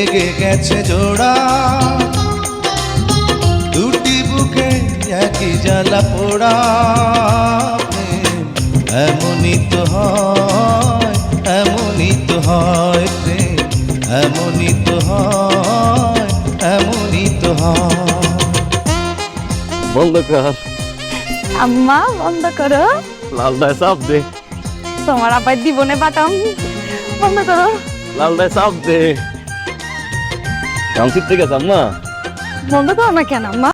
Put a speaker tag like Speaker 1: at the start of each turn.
Speaker 1: লেগে গেছে জোড়া, দুটি বুকে একই জ্বালা পোড়া। প্রেম এমনই তো হয়, এমনই তো হয় প্রেম, এমনই তো হয়, এমনই তো হয়।
Speaker 2: বন্ধ কর।
Speaker 3: আম্মা বন্ধ করো,
Speaker 2: লালদায় চাপ দে,
Speaker 3: তোমার আবার জীবনে বাটাম। বন্ধ করো।
Speaker 2: লালদায় চাপ দে। কাউন্সিল থেকে আম্মা
Speaker 3: বন্ধ করো না কেন আম্মা?